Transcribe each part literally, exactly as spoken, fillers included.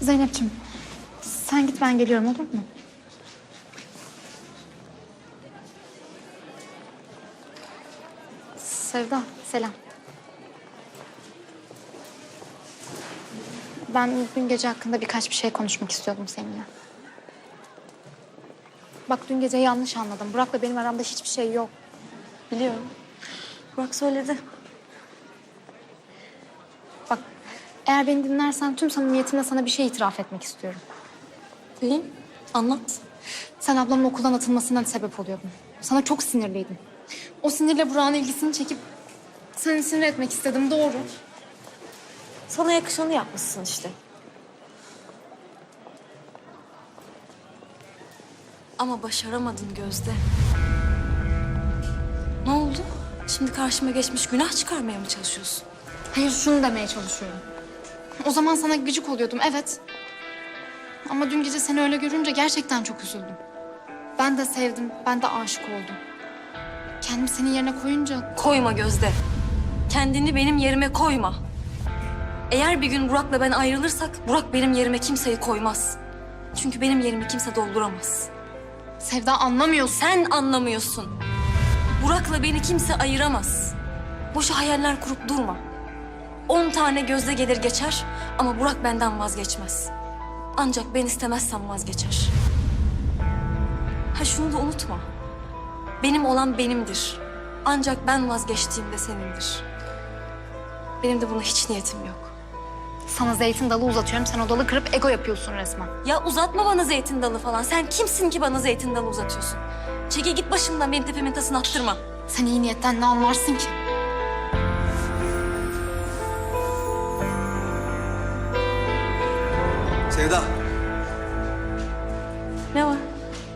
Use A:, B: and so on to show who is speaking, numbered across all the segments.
A: Zeynep'ciğim sen git, ben geliyorum, olur mu? Sevda, selam. Ben dün gece hakkında birkaç bir şey konuşmak istiyordum seninle. Bak, dün gece yanlış anladım. Burak'la benim aramda hiçbir şey yok.
B: Biliyorum. Burak söyledi.
A: Bak, eğer beni dinlersen tüm samimiyetimle sana bir şey itiraf etmek istiyorum.
B: İyi, anlat.
A: Sen ablamın okuldan atılmasına sebep oluyordun. Sana çok sinirliydim. O sinirle Burak'ın ilgisini çekip seni sinir etmek istedim, doğru.
B: Sana yakışanı yapmışsın işte. Ama başaramadın Gözde. Ne oldu? Şimdi karşıma geçmiş günah çıkarmaya mı çalışıyorsun?
A: Hayır, şunu demeye çalışıyorum. O zaman sana gıcık oluyordum, evet. Ama dün gece seni öyle görünce gerçekten çok üzüldüm. Ben de sevdim, ben de aşık oldum. Kendimi senin yerine koyunca...
B: Koyma Gözde. Kendini benim yerime koyma. Eğer bir gün Burak'la ben ayrılırsak Burak benim yerime kimseyi koymaz. Çünkü benim yerimi kimse dolduramaz.
A: Sevda, anlamıyorsun.
B: Sen anlamıyorsun. Burak'la beni kimse ayıramaz. Boşa hayaller kurup durma. On tane Gözde gelir geçer ama Burak benden vazgeçmez. Ancak ben istemezsem vazgeçer. Ha, şunu da unutma. Benim olan benimdir. Ancak ben vazgeçtiğimde senindir. Benim de buna hiç niyetim yok.
A: Sana zeytin dalı uzatıyorum, sen o dalı kırıp ego yapıyorsun resmen.
B: Ya uzatma bana zeytin dalı falan. Sen kimsin ki bana zeytin dalı uzatıyorsun? Çekil git başımdan, benim tepemin tasını attırma.
A: Sen iyi niyetten ne anlarsın ki?
C: Sevda,
B: Ne var?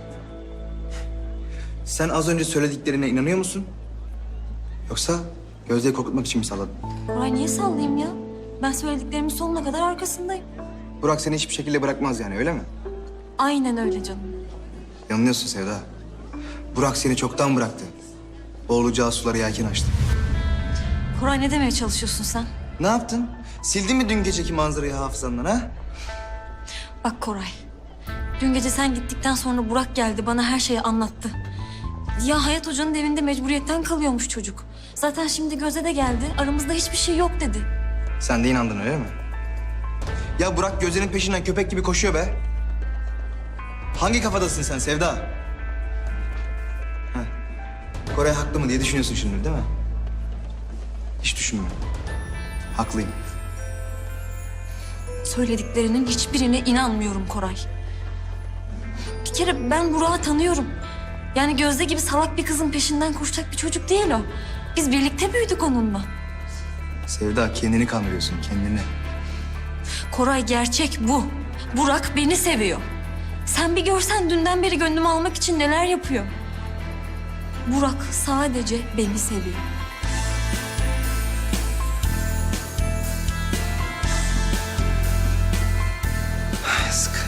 C: sen az önce söylediklerine inanıyor musun? Yoksa Gözde'yi korkutmak için mi salladın?
B: Koray, niye sallayayım ya? Ben söylediklerimin sonuna kadar arkasındayım.
C: Burak seni hiçbir şekilde bırakmaz yani, öyle mi?
B: Aynen öyle canım.
C: Yanılıyorsun Sevda. Burak seni çoktan bıraktı. Boğulacağı suları yelken açtı.
B: Koray, ne demeye çalışıyorsun sen?
C: Ne yaptın? Sildin mi dün geceki manzarayı hafızandan ha?
B: Bak Koray, dün gece sen gittikten sonra Burak geldi, bana her şeyi anlattı. Ya Hayat Hoca'nın evinde mecburiyetten kalıyormuş çocuk. Zaten şimdi Gözde de geldi, aramızda hiçbir şey yok dedi.
C: Sen de inandın, öyle mi? Ya Burak Gözde'nin peşinden köpek gibi koşuyor be. Hangi kafadasın sen Sevda? Heh. Koray haklı mı diye düşünüyorsun şimdi, değil mi? Hiç düşünme. Haklıyım.
B: Söylediklerinin hiçbirine inanmıyorum Koray. Bir kere ben Burak'ı tanıyorum. Yani Gözde gibi salak bir kızın peşinden koşacak bir çocuk değil o. Biz birlikte büyüdük onunla.
C: Sevda, kendini kandırıyorsun, kendini.
B: Koray, gerçek bu. Burak beni seviyor. Sen bir görsen dünden beri gönlümü almak için neler yapıyor. Burak sadece beni seviyor.